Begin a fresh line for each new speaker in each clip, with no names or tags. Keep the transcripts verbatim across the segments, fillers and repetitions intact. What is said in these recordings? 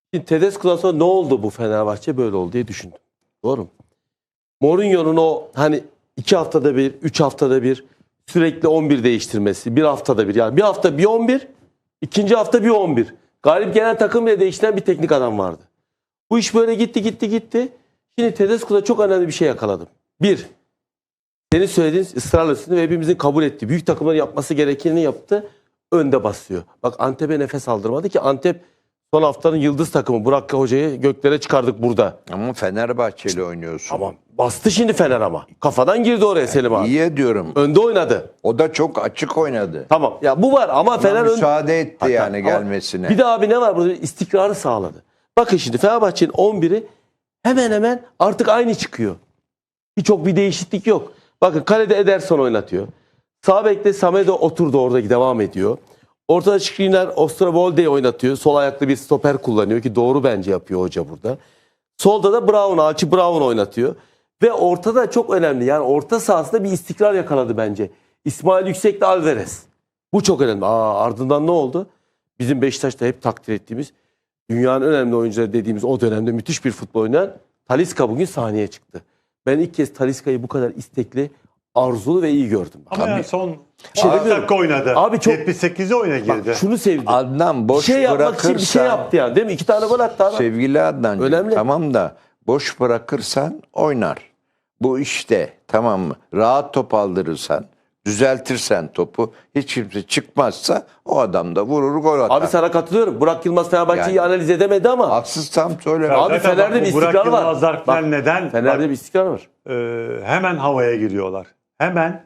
Şimdi Tedesco'dan sonra ne oldu bu Fenerbahçe böyle oldu diye düşündüm. Doğru mu? Mourinho'nun o hani iki haftada bir, üç haftada bir sürekli on bir değiştirmesi, bir haftada bir. Yani bir hafta bir on bir, ikinci hafta bir on bir. Galip gelen takım bile değiştiren bir teknik adam vardı. Bu iş böyle gitti gitti gitti. Şimdi Tedesco'da çok önemli bir şey yakaladım. Bir, senin söylediğin ısrarla üstünde ve hepimizin kabul ettiği büyük takımların yapması gerekeni yaptı. Önde basıyor. Bak Antep'e nefes aldırmadı ki Antep son haftanın yıldız takımı. Burak Hoca'yı göklere çıkardık burada.
Ama Fenerbahçe'yle oynuyorsun.
Tamam. Bastı şimdi Fener ama. Kafadan girdi oraya Selim abi.
İyi diyorum.
Önde oynadı.
O da çok açık oynadı.
Tamam. Ya bu var ama
Ona
Fener ön...
müsaade etti
Hatta,
yani
ama
gelmesine.
Bir de abi ne var burada? İstikrarı sağladı. Bakın şimdi Fenerbahçe'nin on biri hemen hemen artık aynı çıkıyor. Hiç çok bir değişiklik yok. Bakın kalede Ederson oynatıyor. Sağ bekte Samedo oturdu orada devam ediyor. Ortada Skriniar Osterwolde'yi oynatıyor. Sol ayaklı bir stoper kullanıyor ki doğru bence yapıyor hoca burada. Solda da Brown, Alçı Brown oynatıyor. Ve ortada çok önemli. Yani orta sahasında bir istikrar yakaladı bence. İsmail Yüksek'le Alvarez. Bu çok önemli. Aa, ardından ne oldu? Bizim Beşiktaş'ta hep takdir ettiğimiz dünyanın önemli oyuncuları dediğimiz o dönemde müthiş bir futbol oynayan Talisca bugün sahneye çıktı. Ben ilk kez Talisca'yı bu kadar istekli, arzulu ve iyi gördüm.
Ama
Tabii.
yani son
şey
altı dakika oynadı.
Abi çok-
yetmiş sekize oyuna girdi.
Bak şunu sevdim.
Adnan
Bir
boş
şey yapmak için bir şey
bırakırsan,
yaptı yani değil mi? İki tane gol attı adam.
sevgili Adnan,
Önemli.
tamam da boş bırakırsan oynar. Bu işte, tamam mı? Rahat top aldırırsan, düzeltirsen topu, hiç kimse çıkmazsa o adam da vurur, gol atar.
Abi sana katılıyorum. Burak Yılmaz Fenerbahçe'yi
Yani-
analiz edemedi ama
Haksız tam söyleme.
Abi
Zaten
Fener'de
bak,
bir
bu Burak
istikrar var.
Yılmazlar
Bak,
falan neden?
Fener'de
Bak,
bir istikrar var.
e, hemen havaya giriyorlar. Hemen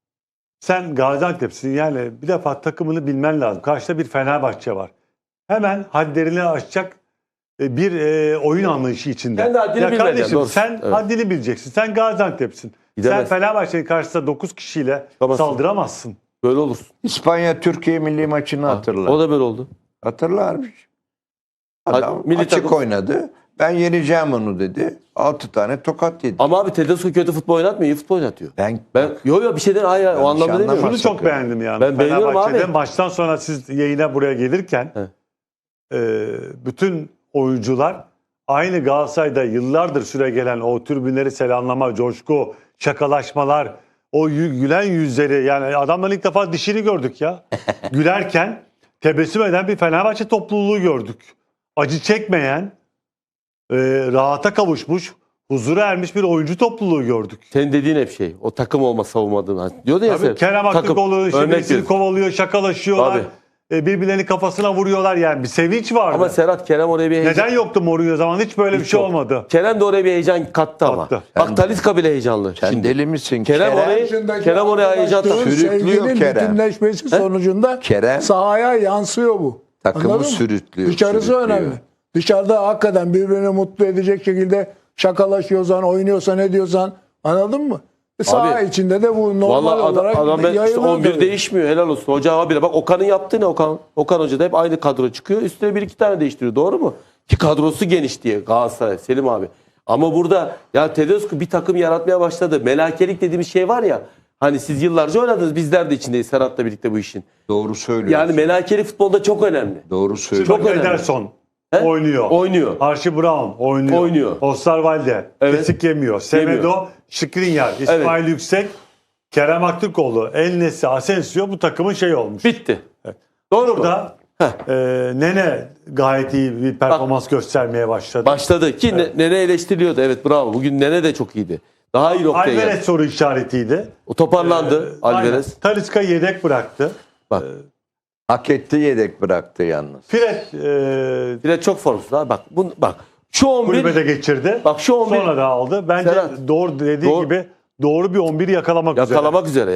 sen Gaziantep'sin yani bir defa takımını bilmen lazım. Karşıda bir Fenerbahçe var. Hemen hadlerini aşacak e, bir e, oyun anlayışı içinde.
Kendi haddini
ya
bilmeden,
kardeşim
doğru.
sen
Evet.
haddini bileceksin. Sen Gaziantep'sin.
Gidemez.
Sen Fenerbahçe'nin karşısında dokuz kişiyle
Çıkamazsın.
saldıramazsın.
Böyle olursun.
İspanya Türkiye milli maçını hatırla.
O da böyle oldu.
Hatırlarmış. Adam
Milli
açık
takım-
oynadı. Ben yeneceğim onu dedi. Altı tane tokat yedi.
Ama abi Tedesco kötü futbol oynatmıyor, iyi futbol oynatıyor.
Ben,
Ben yo yo bir şeyden hayır, hayır o
Yanlış
anlamda demiyorum.
anlama.
Şunu çok
sakın.
beğendim yani.
Ben beğeniyorum
Fenerbahçe'de
abi.
Maçtan sonra siz yayına buraya gelirken
Evet.
e, bütün oyuncular aynı Galatasaray'da yıllardır süre gelen o tribünleri selamlama, coşku, şakalaşmalar, o yü- gülen yüzleri yani adamların ilk defa dişini gördük ya. Gülerken tebessüm eden bir Fenerbahçe topluluğu gördük. Acı çekmeyen, e, rahata kavuşmuş, huzura ermiş bir oyuncu topluluğu gördük.
Senin dediğin hep şey. O takım olma savunmadığın. Diyordu ya
Tabii
sen.
Kerem
takım.
Aktürkoğlu işte
Örnek
birisini
veriyorum.
kovalıyor, şakalaşıyorlar.
Tabii.
E, birbirlerinin kafasına vuruyorlar yani bir sevinç vardı.
Ama Serhat Kerem oraya bir heyecan.
Neden yoktu Mourinho zaman hiç böyle bir
Hiç
şey
yok.
olmadı.
Kerem de oraya bir heyecan kattı ama.
Kattı.
Bak Talisca bile heyecanlı.
sen
Şimdi.
deli misin?
Kerem orayı-
Yaşındaki
Kerem oraya heyecan
arkadaşlığın,
taktı. Sürüklüyor
sevginin
Kerem.
bütünleşmesi sonucunda
Kerem-
sahaya yansıyor bu.
Takımı
Anladın mı?
sürüklüyor,
Dışarısı
sürüklüyor.
önemli. Dışarıda hakikaten birbirini mutlu edecek şekilde şakalaşıyorsan, oynuyorsan, ediyorsan anladın mı? E saha içinde de bu normal
Vallahi adam,
olarak
adam ben işte
yayılıyor
on bir
tabii.
değişmiyor. Helal olsun. Hoca abi bak Okan'ın yaptığı ne Okan? Okan Hoca da hep aynı kadro çıkıyor. Üstüne bir iki tane değiştiriyor. Doğru mu? Ki kadrosu geniş diye Galatasaray Selim abi. Ama burada ya Tedesco bir takım yaratmaya başladı. Melakelik dediğimiz şey var ya. Hani siz yıllarca oynadınız. Bizler de içindeyiz Serhat'la birlikte bu işin.
Doğru söylüyorsun.
Yani melakeli futbolda çok önemli.
Doğru söylüyorsun.
Çok
Çok önemli.
Ederson
He?
oynuyor.
Oynuyor.
Archie Brown oynuyor.
Oynuyor.
Osterwalde
Evet.
kesik yemiyor. Semedo, Skriniar, İsmail Yüksek, Kerem Aktürkoğlu, El Nesri, Asensio bu takımın şey olmuş.
Bitti. Doğru mu?
Burada e, Nene gayet iyi bir performans göstermeye başladı.
Başladı ki evet. Nene eleştiriliyordu. Evet bravo. Bugün Nene de çok iyiydi. Daha iyi noktaya
Alvarez
geldi.
soru işaretiydi.
O toparlandı
Ee, aynen.
Alvarez.
Talisca yedek bıraktı.
Bak.
Hak etti, yedek bıraktı yalnız.
Fred e,
Bir de çok formsuz ha. Bak bu bak şu on bir
kulübede geçirdi.
bak şu on bir
Sonra da aldı. Bence
Serhat,
doğru dediği
doğru-
gibi doğru bir on biri yakalamak üzere.
yakalamak üzere.